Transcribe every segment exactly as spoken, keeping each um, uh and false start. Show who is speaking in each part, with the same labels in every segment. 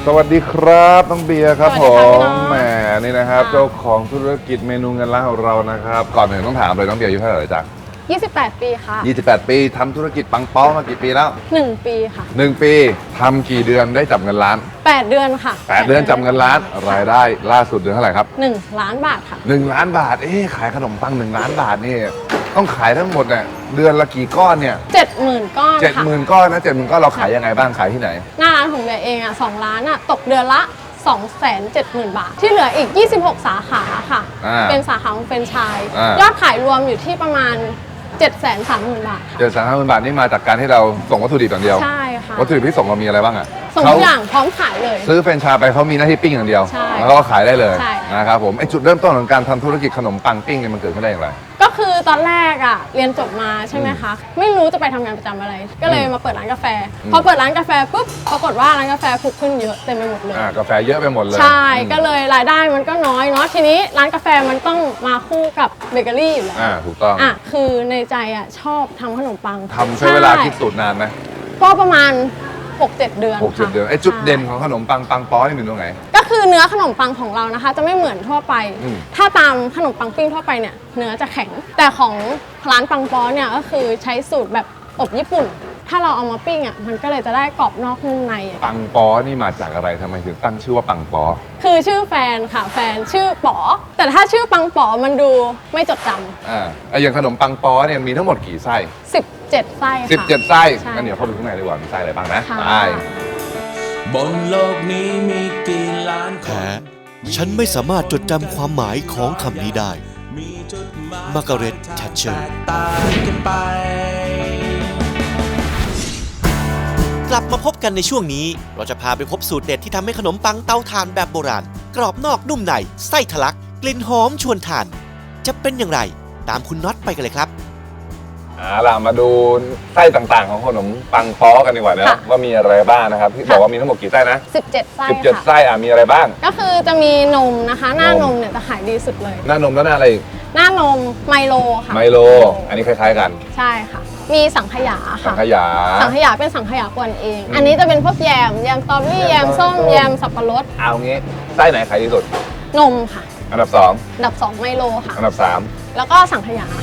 Speaker 1: สวัสดีครับน้องเบียร์ครับผมแหมนี่นะครับเจ้า
Speaker 2: ะ
Speaker 1: ของธุรกิจเมนูเงินล้านของเรานะครับก่อนอื่นต้องถามเลยน้องเบียร์อายุเท่าไหร่จ๊ะ
Speaker 2: ยี่สิบแปด ปีค่ะ
Speaker 1: ยี่สิบแปด ปีทำธุรกิจปังป๊อกมากี่ปีแล้ว
Speaker 2: หนึ่งปีค่ะ
Speaker 1: หนึ่งปีทำกี่เดือนได้จับเงินล้าน
Speaker 2: แปดเดือนค่ะ
Speaker 1: แปดเดือนจับเงินล้านรายได้ล่าสุดเดือนเท่าไหร่ครับ
Speaker 2: หนึ่งล้านบาทค่ะ
Speaker 1: หนึ่งล้านบาทเอ๊ะขายขนมปังหนึ่งล้านบาทนี่ต้องขายทั้งหมดเนี่ยเดือนละกี่ก้อนเนี่ย
Speaker 2: เจ็ดหมื่นก้อน
Speaker 1: เจ็ดหมื่นก้อนนะเจ็ดหมื่นก้อนเราขายยังไงบ้างขายที่ไหน
Speaker 2: หน้าร้านของเบียร์เองอ่ะสองล้านอ่ะตกเดือนละสองแสนเจ็ดหมื่น บาทที่เหลืออีกยี่สิบหกสาขาค่ะเป็นสาขาของแฟรนไชส์ยอดขายรวมอยู่ที่ประมาณเจ็ดแสนสามหมื่น บาทค่ะ
Speaker 1: เจ็ดแสนสามหมื่นบาทนี่มาจากการที่เราส่งวัตถุดิบอย่างเดียว
Speaker 2: ใช่ค่ะ
Speaker 1: วัตถุดิบที่ส่งเรามีอะไรบ้างอ่ะ
Speaker 2: ส่งทุกอย่างพร้อมขายเลย
Speaker 1: ซื้อแฟรนไชส์ไปเขามีหน้าที่ปิ้งอย่างเดียวแล้วก็ขายได้เลยนะครับผมไอจุดเริ่มต้นของการทำธุรกิจขนมปังปิ้งเนี่ยมันเกิดขึ้นได้อย่างไร
Speaker 2: ก็คือตอนแรกอ่ะเรียนจบมาใช่ไหมคะไม่รู้จะไปทำงานประจำอะไรก็เลยมาเปิดร้านกาแฟพอเปิดร้านกาแฟปุ๊บปรากฏว่าร้านกาแฟผุขึ้นเยอะเต็มไปหมดเลย
Speaker 1: อ่ากาแฟเยอะไปหมดเลย
Speaker 2: ใช่ก็เลยรายได้มันก็น้อยเนาะทีนี้ร้านกาแฟมันต้องมาคู่กับเบเกอรี่อยู่แล้ว
Speaker 1: อ่าถูกต้อง
Speaker 2: อ่ะคือในใจอ่ะชอบทำขนมปัง
Speaker 1: ทำใช้เวลาคิดสูตรนานไหม
Speaker 2: ก็ประมาณ หกเจ็ด เดือน
Speaker 1: หกเจ็ด เดือนไอ้จุดเด่นของขนมปังปังป๊อนี่เป็นตรงไหน
Speaker 2: ก็คือเนื้อขนมปังของเรานะคะจะไม่เหมือนทั่วไปถ้าตามขนมปังปิ้งทั่วไปเนี่ยเนื้อจะแข็งแต่ของร้านปังป๊อเนี่ยก็คือใช้สูตรแบบอบญี่ปุ่นถ้าเราเอามาปิ้งอ่ะมันก็เลยจะได้กรอบนอกนุ่มใน
Speaker 1: ปังป๊อนี่มาจากอะไรทำไมถึงตั้งชื่อว่าปังป๊อ
Speaker 2: คือชื่อแฟนค่ะแฟนชื่อป๋อแต่ถ้าชื่อปังป๋อมันดูไม่จดจำ
Speaker 1: อ่าอย่างขนมปังป๊อเนี่ยมีทั้งหมดกี่ไส้
Speaker 2: สิบเจ็ดไส้ค่ะ
Speaker 1: สิบเจ็ดไส้งั้นเดี๋ยวเข้าไปข้างในดีกว่ามีไส้อะไรบ้างนะไป
Speaker 3: บนโลกนี้มีกี่ล้านคน
Speaker 4: แต่ฉันไม่สามารถจดจำความหมายของคำนี้ได้มาร์กาเร็ต แททเชอร์กลับมาพบกันในช่วงนี้เราจะพาไปพบสูตรเด็ดที่ทำให้ขนมปังเตาถ่านแบบโบราณกรอบนอกนุ่มในไส้ทะลักกลิ่นหอมชวนทานจะเป็นอย่างไรตามคุณน็อตไปกันเลยครับ
Speaker 1: อ่าล่ะมาดูไส้ต่างๆของขนมปังป๊อกันดีกว่านะว่ามีอะไรบ้างนะครับที่บอกว่ามีทั้งหมดกี่ไส้นะ
Speaker 2: สิบเจ็ดไส้
Speaker 1: สิบเจ็ดไส้อ่ะมีอะไรบ้าง
Speaker 2: ก็คือจะมีนมนะคะหน้านมเนี่ยจะขายดีสุดเลย
Speaker 1: หน้านมแล้วหน้าอะไรอีก
Speaker 2: หน้านมไมโลค่ะ
Speaker 1: ไมโลอันนี้คล้ายๆกัน
Speaker 2: ใช่ค่ะมีสังขยาค่ะ
Speaker 1: สังขยา
Speaker 2: สังขยาเป็นสังขยากวนเองอันนี้จะเป็นพวกแยมแยมสตรอเบอรี่แยมส้มแยมสับปะรด
Speaker 1: เอางี้ไส้ไหนขายดีสุด
Speaker 2: นมค่ะ
Speaker 1: อันดับสอง
Speaker 2: อันดับสองไมโลค่ะ
Speaker 1: อันดับสาม
Speaker 2: แล้วก็สังขยา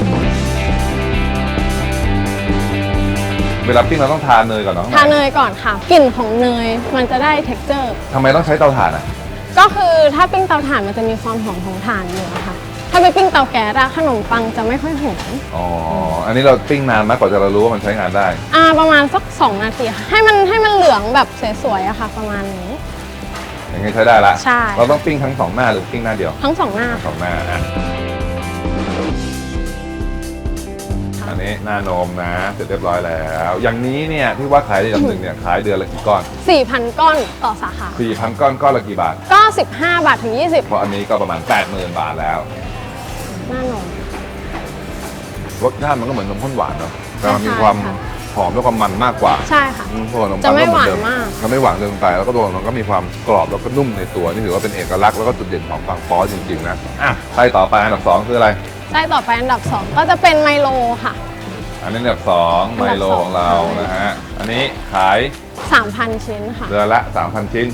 Speaker 1: เวลาปิ้งเราต้องทาเนยก่อนเนาะ
Speaker 2: ทาเนยก่อนค่ะกลิ่นของเนยมันจะได้ เท็กเจอร์
Speaker 1: ทำไมต้องใช้เตาถ่านอ่ะ
Speaker 2: ก็คือถ้าปิ้งเตาถ่านมันจะมีความหอมของถ่านอยู่ค่ะถ้าไปปิ้งเตาแก๊สอะขนมปังจะไม่ค่อยหอม
Speaker 1: อ๋ออันนี้เราปิ้งนานมากกว่าจะเรารู้ว่ามันใช้งานได้
Speaker 2: อ่าประมาณสักสองนาทีค่ะให้มันให้มันเหลืองแบบสวยๆอะค่ะประมาณนี้
Speaker 1: อย่างนี้ใช้ได้ละ
Speaker 2: ใช่
Speaker 1: เราต้องปิ้งทั้งสองหน้าหรือปิ้งหน้าเดียว
Speaker 2: ทั้งสองหน้า
Speaker 1: สองหน้าอ่ะอันนี้หน้านมนะเสร็จเรียบร้อยแล้วอย่างนี้เนี่ยที่ว่าขายได้ลำหนึ่งเนี่ยขายเดือนละกี่ก้อน
Speaker 2: สี่พัน ก้อนต่อสาขา
Speaker 1: สี่พัน ก้อนก้อนละกี่บาท
Speaker 2: ก็สิบห้าบาทถึงยี่สิบ
Speaker 1: เพราะอันนี้ก็ประมาณ แปดหมื่น บาทแล้ว
Speaker 2: หน้านม
Speaker 1: รสชาติมันก็เหมือนนมข้นหวานเนาะแต่มันมีความหอมและความมันมากกว่า
Speaker 2: ใช่ค่ะ
Speaker 1: จะไม่หวานมากจะไม่หวานเกินไปแล้วก็ตัวมันก็มีความกรอบแล้วก็นุ่มในตัวนี่ถือว่าเป็นเอกลักษณ์แล้วก็จุดเด่นของปังป๊อจริงๆนะอ่ะไส้ต่อไปอันดับสองคืออะไร
Speaker 2: ไส้ต่อไปอันดับสองก็จะเป็นไมโลค่ะ
Speaker 1: อันนี้อันดับสองไมโลของเรานะฮะอันนี้ขาย
Speaker 2: สามพัน ชิ้นค่ะ
Speaker 1: เดือนละ สามพัน ชิ้น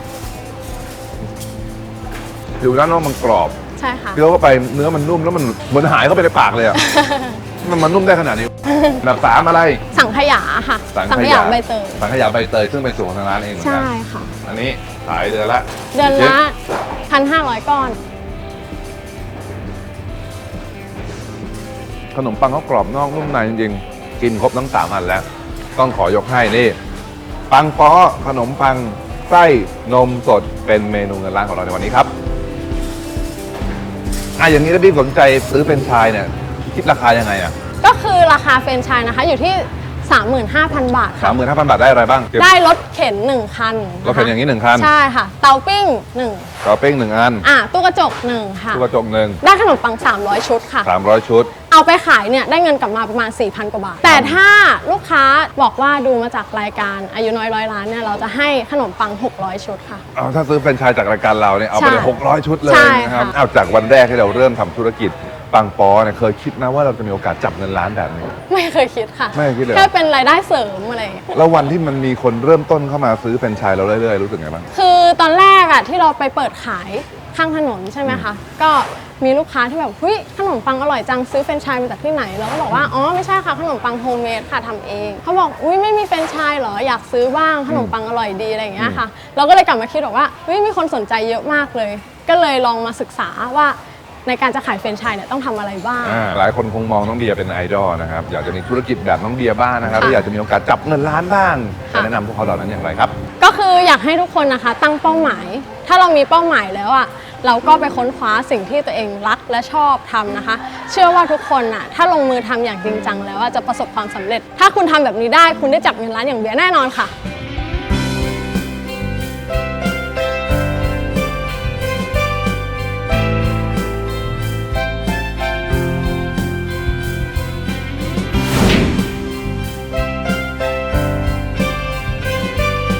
Speaker 1: ผิวด้านนอกมันกรอบ
Speaker 2: ใช่ค่ะ
Speaker 1: เคี้ยวเข้าไปเนื้อมันนุ่มแล้วมันเหมือนหายเข้าไปในปากเลยอ่ะมันมันนุ่มได้ขนาดนี้อันดับสามอะไร
Speaker 2: สังขยาค่ะสังขยาใบเตย
Speaker 1: สังขยาใบเตยซึ่งเป็นสูตรของทางร้านเองเหมือนกัน
Speaker 2: ใช่ค่ะ
Speaker 1: อันนี้ขายเดือนละ
Speaker 2: เดือนละพันห้าร้อยก้อน
Speaker 1: ขนมปังเขากรอบนอกนุ่มในจริงๆกินครบทั้งสามอันแล้วต้องขอยกให้นี่ปังป๊อขนมปังไส้นมสดเป็นเมนูเงินล้านของเราในวันนี้ครับอ่ะอย่างนี้ถ้าพี่สนใจซื้อเป็นไชส์เนี่ยคิดราคายังไงอ่ะ
Speaker 2: ก็คือราคาแฟรนไชส์นะคะอยู่ที่ สามหมื่นห้าพัน บาทค่ะ
Speaker 1: สามหมื่นห้าพัน บาทได้อะไรบ้าง
Speaker 2: ได้รถเข็นหนึ่งคัน
Speaker 1: รถเข็นอย่างนี้หนึ่งคัน
Speaker 2: ใช่ค่ะเตาปิ้งหนึ่ง
Speaker 1: เตาปิ้งหนึ่งอัน
Speaker 2: อ่ะตู้กระจกหนึ่งค่ะ
Speaker 1: ตู้กระจกหนึ่ง
Speaker 2: ได้ขนมปังสามร้อยชุดค่ะ
Speaker 1: สามร้อยชุด
Speaker 2: เอาไปขายเนี่ยได้เงินกลับมาประมาณ สี่พัน กว่าบาทแต่ถ้าลูกค้าบอกว่าดูมาจากรายการอายุน้อยร้อยล้านเนี่ยเราจะให้ขนมปังหกร้อยชุดค่ะ
Speaker 1: เอาถ้าซื้อแฟรนไชส์จากรายการเราเนี่ยเอาไปเลยหกร้อยชุดเลยนะครับเอาจากวันแรกที่เราเริ่มทำธุรกิจปังปอเนี่ยเคยคิดนะว่าเราจะมีโอกาสจับเงินล้านแบบนี้
Speaker 2: ไม่เคยคิดค่ะ
Speaker 1: ไม่เคยคิดเลยเหรอ
Speaker 2: แค่เป็นรายได้เสริมอะไรอย่างเงี้ย
Speaker 1: แล้ววันที่มันมีคนเริ่มต้นเข้ามาซื้อแฟรนไชส์เราเรื่อยๆรู้สึกไงบ้าง
Speaker 2: คือตอนแรกอะที่เราไปเปิดขายข้างถนนใช่ไหมคะก็มีลูกค้าที่แบบเฮ้ยขนมปังอร่อยจังซื้อแฟรนไชส์มาจากที่ไหนเราก็บอกว่าอ๋อไม่ใช่ค่ะขนมปังโฮมเมดค่ะทำเองเขาบอกอุ้ยไม่มีแฟรนไชส์เหรออยากซื้อบ้างขนมปังอร่อยดีอะไรอย่างเงี้ยค่ะเราก็เลยกลับมาคิดบอกว่าเฮ้ยมีคนสนใจเยอะมากเลย ก็เลยลองมาศึกษาว่าในการจะขายแฟรนไชส์เนี่ยต้องทำอะไรบ้าง
Speaker 1: อ่าหลายคนคงมองน้องเดียเป็นไอดอลนะครับอยากจะมีธุรกิจแบบน้องเดียบ้างนะครับ
Speaker 2: ค่ะ
Speaker 1: ถ้าอยากจะมีโอกาสจับเงินล้านบ้าง
Speaker 2: ค่ะ
Speaker 1: จะแนะนำพวกเขาเหล่านั้นอย่างไรครับ
Speaker 2: ก็คืออยากให้ทุกคนนะคะตั้งเป้าหมาย ถ้าเรามีเป้าหมายแล้วอ่ะเราก็ไปค้นคว้าสิ่งที่ตัวเองรักและชอบทำนะคะ เชื่อว่าทุกคนอ่ะถ้าลงมือทำอย่างจริงจังแล้วอะจะประสบความสำเร็จ ถ้าคุณทำแบบนี้ได้คุณได้จับเงินล้านอย่างเบียร์แน่นอนค่ะ